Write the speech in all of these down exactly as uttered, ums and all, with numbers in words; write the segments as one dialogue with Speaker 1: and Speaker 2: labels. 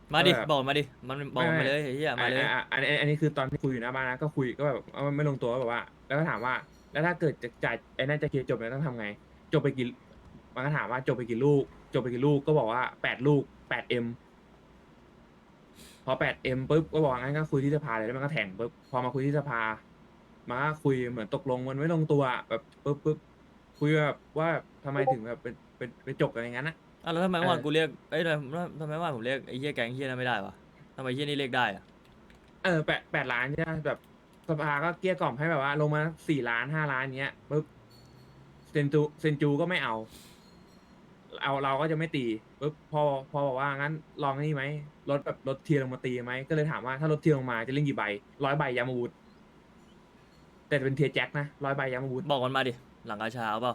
Speaker 1: มาดิ
Speaker 2: ก็แบบ
Speaker 1: บอกมาดิมันบอก
Speaker 2: ไม่ไม่
Speaker 1: มาเลยไอ้เหี้ย
Speaker 2: อ่า
Speaker 1: มาเลย
Speaker 2: อ่าอันนี้อันนี้คือตอนที่คุยอยู่หน้าบ้านนะก็คุยก็แบบเอาไม่ลงตัวก็แบบว่าแล้วก็ถามว่าแล้วถ้าเกิดจะจ่ายไอ้นั่นจะเคลียร์จบแล้วต้องทำไงจบไปกี่มันก็ถามว่าจบไปกี่ลูกจบไปกี่ลูกก็บอกว่าแปดลูกแปดเอ็มพอแปดเอ็มปุ๊บก็บอกงั้นก็คุยที่สภาเลยแล้วมันก็แถงปุ๊บพอมาคุยที่สภามาก็คุยเหมือนตกลงมันไม่ลงตัวแบบปุ๊บปุ๊บคุยแบบว่าทำไมถึงแบบเป็นเป็นไปจบกันอย่างนั้นนะ
Speaker 1: อ่ะแล้วทำไม
Speaker 2: เออ
Speaker 1: เมื่อวานกูเรียกเอ้ยทำไมทำไมเมื่อวานผมเรียกไอ้เหี้ยแก๊งเหี้ยนั้นไม่ได้วะทำไมเหี้ยนี่เรียกได้อะ
Speaker 2: เออแปดแปดล้านใช่ไหมแบบสภาก็เกลี้ยกล่อมให้แบบว่าลงมาสี่ล้านห้าล้านเงี้ยปุ๊บเซนจูเซนจูก็ไม่เอาเอาเราก็จะไม่ตีปุ๊บพอพอบอกว่างั้นลองนี่ไหมลดแบบลดเทียร์ลงมาตีไหมก็เลยถามว่าถ้าลดเทียร์ลงมาจะเล่นกี่ใบร้อยใบยามาวุธแต่เป็นเทียร์แจ็คนะร้อยใบยามาวุธ
Speaker 1: บอกมันมาดิหลังกาชาเอาเปล่า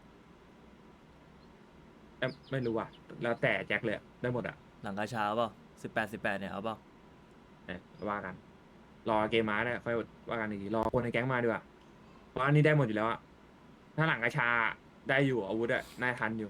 Speaker 2: แต่ไม่รู้อ่ะแล้วแต่แจ็คเลยอะได้หมดอ่ะ
Speaker 1: หลังกาชาเอาเปล่าสิบแปดสิบแปดเนี่ยเอาเปล่า
Speaker 2: เออว่ากันรอเกมมาเนี่ยค่อยว่ากันอีกทีรอคนในแก๊งมาดีกว่าเพราะอันนี้ได้หมดอยู่แล้วอ่ะถ้าหลังกระชาได้อยู่อาวุธอะน่าทันอยู่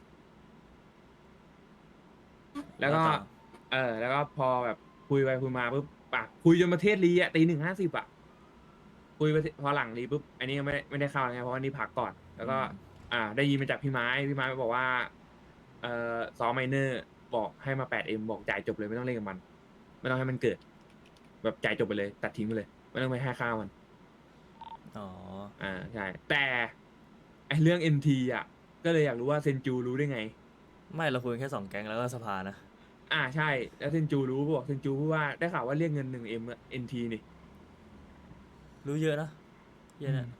Speaker 2: แล้วก็
Speaker 1: แล้วต่อ
Speaker 2: เออแล้วก็พอแบบคุยไปคุยมาปุ๊บปะคุยจนประเทศรีอ่ะตีหนึ่งห้าสิบอ่ะคุยไปพอหลังรีปุ๊บอันนี้ก็ไม่ได้ไม่ได้เข้าไงเพราะว่านี่พักก่อนแล้วก็
Speaker 1: อืม
Speaker 2: อ่าได้ยินมาจากพี่ไม้พี่ไม้บอกว่าเอ่อซอไมเนอร์บอกให้มาแปดเอ็มบอกจ่ายจบเลยไม่ต้องเล่นกับมันไม่ต้องให้มันเกิดแบบจ่ายจบไปเลยตัดทิ้งไปเลยไม่ต้องไปให้ข้าวมัน
Speaker 1: อ๋อ
Speaker 2: อ่าใช่แต่ไอเรื่องเอ็นทีอ่ะก็เลยอยากรู้ว่าเซนจูรู้ได้ไง
Speaker 1: ไม่เราคุยกันแค่สองแก๊งแล้วก็สภานะ
Speaker 2: อ่าใช่แล้วเซนจูรู้บอกเซนจูพูดว่าได้ข่าวว่าเรียกเงินหนึ่งเอ็มเอ็นทีนี่
Speaker 1: รู้เยอะนะเหี้ย
Speaker 2: อืม
Speaker 1: เนี่ย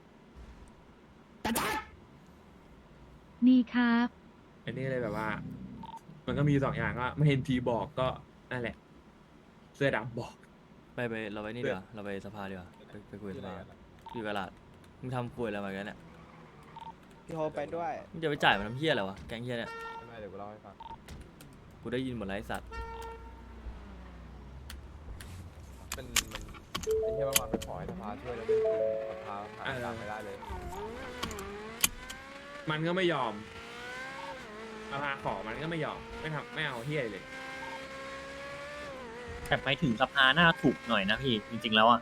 Speaker 3: นี่ครับ
Speaker 2: อันนี้เลยแบบว่า มันก็มีสองอย่างก็ไม่เห็นทีบอกก็นั่นแหละเสื้อดำบอก
Speaker 1: ไปไปเราไปนี่ดี
Speaker 2: เสื้อ
Speaker 1: กว่าเราไปสภาดีกว่าไปไปคุยกับสภา
Speaker 4: ชื่ออะไรกันอะ
Speaker 1: อยู่กบลาดมึงทำคุยอะไรมากันเนี่ย
Speaker 4: พี่โฮไปด้วย
Speaker 1: มึงจะไปจ่ายมันทำเหี้ยอะไรวะแก๊งเหี้ยเนี่ย
Speaker 4: ไม่ไม่เดี๋ยวกูเล่าให้ฟัง
Speaker 1: กูได้ยินหมดแล้วไอ้สัตว์
Speaker 4: เป็นมันไอ้เหี้ยเมื่อวานไปขอให้สภาช่วยแล้วเรื่องจริงสภาหาตังค์ไม่ได้เลย
Speaker 2: มันก็ไม่ยอมมาพาขอมันก็ไม่ยอมไม่ทำไม่เอาเฮียเลย
Speaker 5: แต่ไปถึงสภาหน้าถูกหน่อยนะพี่จริงๆแล้วอ่ะ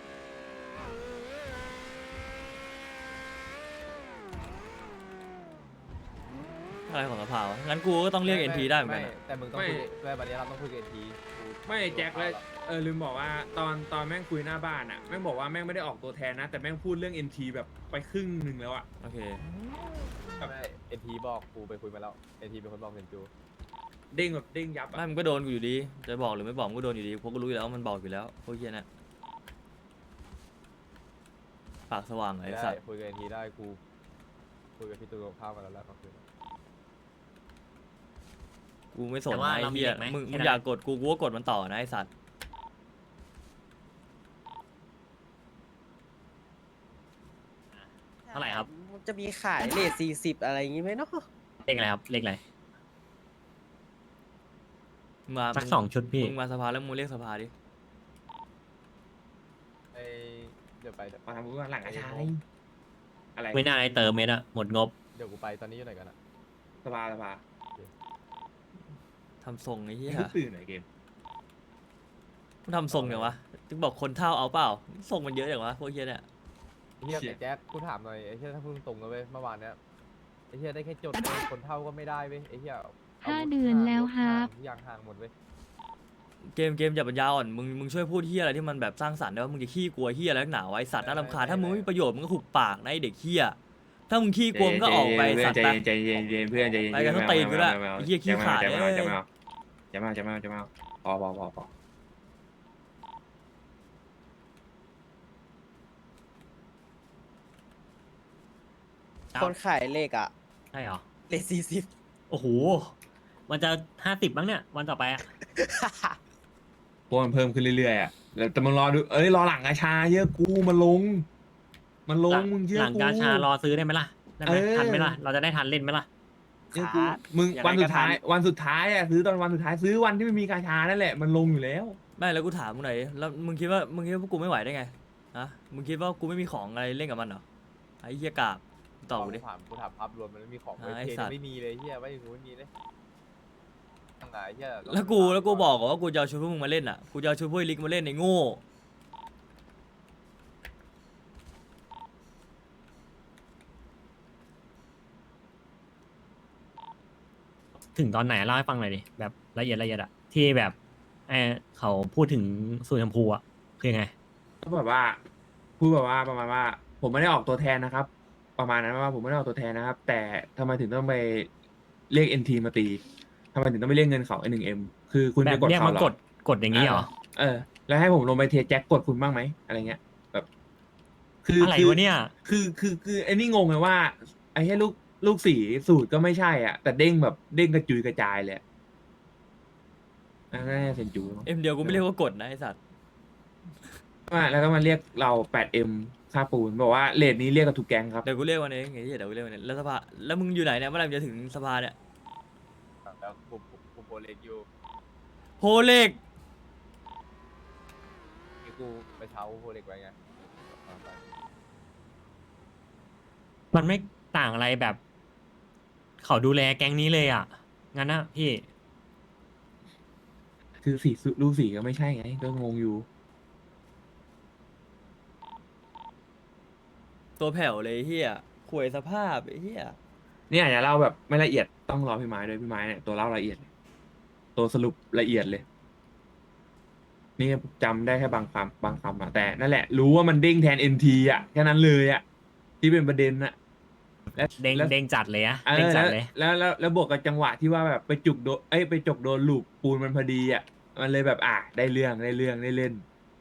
Speaker 1: อะไรของสภาวะงั้นกูก็ต้องเรียกเอ็นทีได้เหมือนกัน
Speaker 4: ไม่
Speaker 1: อะ
Speaker 4: แต่มึงต้องคุยด้วยวันนี้เราต้องคุยกับเอ็นที
Speaker 2: ไม่แจ็คแล้วเออลืมบอกว่าตอนตอนแม่งคุยหน้าบ้านอ่ะแม่งบอกว่าแม่งไม่ได้ออกตัวแทนนะ แต่แม่งพูดเรื่องเอ็นทีแบบไปครึ่งหนึ่งแล้วอ่ะ
Speaker 1: โอเค
Speaker 4: ไม่เอ็นทีบอกกูไปคุยมาแล้วเอ็นทีเป็นคนบอกเซนจู
Speaker 2: เด้งแบบเด้งยับอ่ะ
Speaker 1: ไม่มันก็โดนกูอยู่ดี จะบอกหรือไม่บอกมันก็โดนอยู่ดีเพราะกูรู้อยู่แล้วว่ามันบอกอยู่แล้วพวกเหี้ยเนี่ยปากสว่างไอ้
Speaker 4: ได้
Speaker 1: สัตว์
Speaker 4: คุยกับเอ็นทีได้กูคุยกับพี่ตูนข้าวมาแล้วแล้วก็คือ
Speaker 1: กูไม่สน
Speaker 5: แต่ว่า
Speaker 1: นะไอ้
Speaker 5: เรามี
Speaker 1: เหี้ย
Speaker 5: เด็กไหม
Speaker 1: มึง
Speaker 5: แค่
Speaker 1: มึง
Speaker 5: นั้น
Speaker 1: อยากกดกูกูก็กดมันต่อนะไอ้สัตว์
Speaker 5: เท่าไหร่ครับ
Speaker 6: จะมีขายเลทสี่สิบอะไรอย่างงี้ไหมเนาะ
Speaker 5: เลขอะไรครับเลขอะไร
Speaker 1: มึงมา
Speaker 5: สัก
Speaker 1: มึ
Speaker 5: สองชุดพี่
Speaker 1: มึงมาสภาแล้วมึงเรียกสภาดิ
Speaker 4: ไอเดี๋ยวไปเดี๋ยว
Speaker 2: มาทำพูดว่าหลังกระชายอะไร
Speaker 5: ไม่น่าให้เติมเมตรอะหมดงบ
Speaker 4: เดี๋ยวกูไปตอนนี้อยู่ไหนกันอะ
Speaker 2: สบายสบาย
Speaker 1: ทำทรงไอ้เหี้ย
Speaker 2: เพิ่งตื่นหน่อยเกม
Speaker 1: มึงทำทรงอย่างวะถึงบอกคนเท่าเอาเปล่าทรงมันเยอะอย่างวะพวกเหี้ยเนี่ย
Speaker 4: ไอ้เฮียแต่แจ็คกูถามหน่อยไอ้เฮียถ้าพูดตรงๆนะเว้ยเมื่อวานเนี้ยไอ้เฮียได้แค่จดเว้ยคนเท่าก็ไม่ได้เว้ยไอ้เฮีย
Speaker 3: ห้าเดือนแล้วครับ
Speaker 4: ทุกอย่างห่างหมดเว้ย
Speaker 1: เกมเกมอย่าปัญญาอ่อนมึงมึงช่วยพูดเหี้ยอะไรที่มันแบบสร้างสรรค์ได้ว่ามึงจะขี้กลัวเหี้ยอะไรนักหนาวะไอ้สัตว์น่ารำคาญถ้ามึงไม่มีประโยชน์มึงก็หุบปากนะไอ้เด็กเหี้ยถ้ามึงขี้กลัวมึงก็ออกไปสัตว์
Speaker 2: ใจ
Speaker 1: ไป
Speaker 2: เย็นใจเย็นใจเย็นเพื่อนใจเย็น
Speaker 1: ไปกันทั้งตีนกูด้วยไอ้เหี้ยขี้ขาด
Speaker 2: จะ
Speaker 1: เล
Speaker 2: มาย จะมาจะมาจะมาจะมาพอพอพอพอ
Speaker 5: ครับ
Speaker 6: คนขายเลขอะ
Speaker 5: ใช่เหรอ
Speaker 6: เลทสี่สิบ
Speaker 5: โอ้โห มันจะห้าสิบบ้างเนี่ย วันต่อไปอะ
Speaker 2: พวกมันเพิ่มขึ้นเรื่อยๆอ่ะแล้วแต่มึงรอดูเอ้ยรอหลังกระชาเยอะกูมันลง มันล
Speaker 5: หลั
Speaker 2: ง
Speaker 5: ง
Speaker 2: มึงเยอะ
Speaker 5: หลัง
Speaker 2: กู
Speaker 5: กาชารอซื้อได้ไหมล่ะ ได้ไหม
Speaker 2: เออ
Speaker 5: ทันไหมล่ะ เราจะได้ทันเล่นไหมล่ะ
Speaker 2: เยอะกูมึง
Speaker 6: อย่าง
Speaker 2: วัน
Speaker 6: ไร
Speaker 2: สุ
Speaker 6: ก็
Speaker 2: ดท้าย
Speaker 6: ทัน
Speaker 2: วันสุดท้ายอ่ะซื้อตอนวันสุดท้ายซื้อวันที่ไม่มีกาชานั่นแหละมันลงอยู่แล้ว
Speaker 1: ไม่แล้วกูถามมึงหน่อยดิแล้วมึงคิดว่ามึงคิดว่าพวกกูไม่ไหวได้ไงฮะมึงคิดว่ากูไม่มีของอะไรเล่นกับมันเหรอไอ้เหี้ยกาบตอบกูดิ
Speaker 4: ถามกูถามภาพรวมมันไม่มีของ
Speaker 1: อ่า
Speaker 4: เว้ย
Speaker 1: ไอ้
Speaker 4: เท
Speaker 1: สัตว์
Speaker 4: ไม่มีเลยเฮียไม่รู้ไม่มีเลยตั้งไงเฮีย
Speaker 1: แล้วกูแล้วกูบอกว่ากูจะเอาชุดพวกมึงมาเล่นอ่ะกูจะเอาชุดพวกไอ้ลิกมาเล่นในโง่
Speaker 5: ถึงตอนไหนเล่าให้ฟังหน่อยดิแบบละเอียดละเอียดอะที่แบบเออเขาพูดถึงสูตรชมพูอะคือยังไง
Speaker 2: ก็แบบว่าพูดแบบว่าประมาณว่า ผมไม่ได้ออกตัวแทนนะครับ ประมาณนั้นว่าผมไม่ได้ออกตัวแทนนะครับ แต่ทำไมถึงต้องไปเรียกเอ็นทีมาตีทำไมถึงต้องไปเรียกเงินเขาไอหนึ่งเอ็มคือคุณ
Speaker 5: แบ
Speaker 2: ไป
Speaker 5: บ
Speaker 2: กด
Speaker 5: เรียก
Speaker 2: เขา
Speaker 5: มา
Speaker 2: เหรอก
Speaker 5: ดกดอย่างนี้เหรอ
Speaker 2: เออ แล้วให้ผมลงไปเทแจ็คกดคุณบ้างไหมอะไรเงี้ยแบบ คือ
Speaker 5: อะไร
Speaker 2: คื
Speaker 5: วะเนี่ย
Speaker 2: คือคือคือไอ้นี่งงเลยว่า ไอ้ให้ลูกลูกสีสูตรก็ไม่ใช่อ่ะ แต่เด้งแบบเด้งกระจุยกระจายเลยอะอันนั่นน่าจะเซนจูมั้ง
Speaker 1: เอ็มเดียวกูไม่เรียกว่ากดนะไอสัตว์
Speaker 2: มาแล้วก็มาเรียกเรา แปดเอ็ม ค่าปูน บอกว่าเรทนี้เรียกกับทุกแก๊งครับ
Speaker 1: เดี๋ยวกูเรียกวันเองไงที่เดี๋ยวกูเรียกวันเองแล้วสภาแล้วมึงอยู่ไหนเนี่ยเมื่อไหร่มึงจะถึงสภาเนี่ย
Speaker 4: แล้วผมผมผมโปรเล็กอยู่
Speaker 1: โพเล็ก
Speaker 4: ที่กูไปเช้าโปรเล็กไว้ไง
Speaker 5: มันไม่ต่างอะไรแบบ เขาดูแลแก๊งนี้เลยอะงั้นนะพี่
Speaker 2: คือสีสุลูกสีก็ไม่ใช่ไง ก็งงอยู่
Speaker 1: ตัวแผ่วเลยไอ้เฮียข่วยสภาพไอ้เฮีย
Speaker 2: เนี่ยอาจจะเล่าแบบไม่ละเอียดต้องรอพี่ไม้ด้วยพี่ไม้เนี่ยตัวเล่าละเอียดเลยตัวสรุปละเอียดเลย นี่จำได้แค่บางคำบางคำอะแต่นั่นแหละ รู้ว่ามันเด้งแทนเอ็นทีอะแค่นั้นเลยอะที่เป็นประเด็นอะและ
Speaker 5: เด้ง
Speaker 2: แล้ว
Speaker 5: เด้งจัดเลยอะ
Speaker 2: เอ
Speaker 5: เด้ง
Speaker 2: อ
Speaker 5: จั
Speaker 2: แล้
Speaker 5: ด
Speaker 2: ว
Speaker 5: เลย
Speaker 2: แล้วแล้วแล้วบวกกับจังหวะที่ว่าแบบไปจุกโดนเอ้ยไปจกโดนลูกปูนมันพอดีอะมันเลยแบบอ่ะได้เรื่องได้เรื่องได้เล่น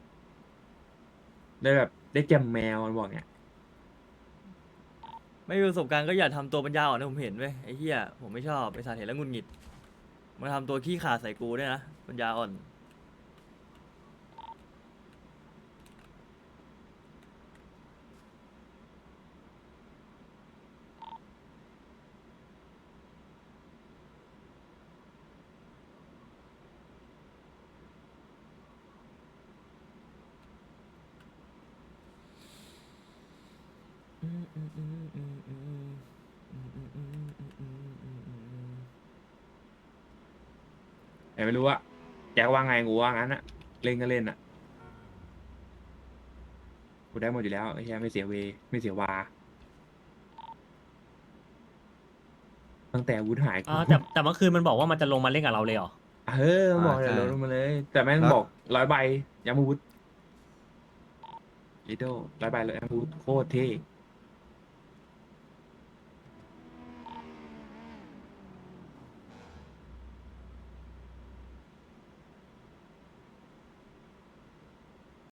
Speaker 2: ได้แบบได้แจมแมวมันบอกเนี่ย
Speaker 1: ไม่มีประสบการณ์ก็อย่าทำตัวปัญญาอ่อนนะผมเห็นเว้ยไอ้เฮียผมไม่ชอบไอ้สารเห็นแล้วหงุดหงิดมาทำตัวขี้ขลาดใส่กูด้วยนะปัญญาอ่อน
Speaker 2: แต่ไม่รู้อะแจ็คว่าไงกูว่างั้นอะเล่นก็เล่นอะกูได้หมดอยู่แล้วไอ้เหี้ยไม่เสียเวไม่เสียวา ตั้งแต่อาวุธหาย
Speaker 5: อ๋อแต่แต่เมื่อคืนมันบอกว่ามันจะลงมาเล่นกับเราเลยเหรอ
Speaker 2: เออมันบอก
Speaker 7: อ่า
Speaker 2: เดี๋ยว
Speaker 7: ใช่
Speaker 2: ลดลงมาเลย แต่แม่ง
Speaker 7: แล้ว
Speaker 2: บอกร้อยใบยามาวุธลิโดร้อยใบเลยยามาวุธโคตรเท่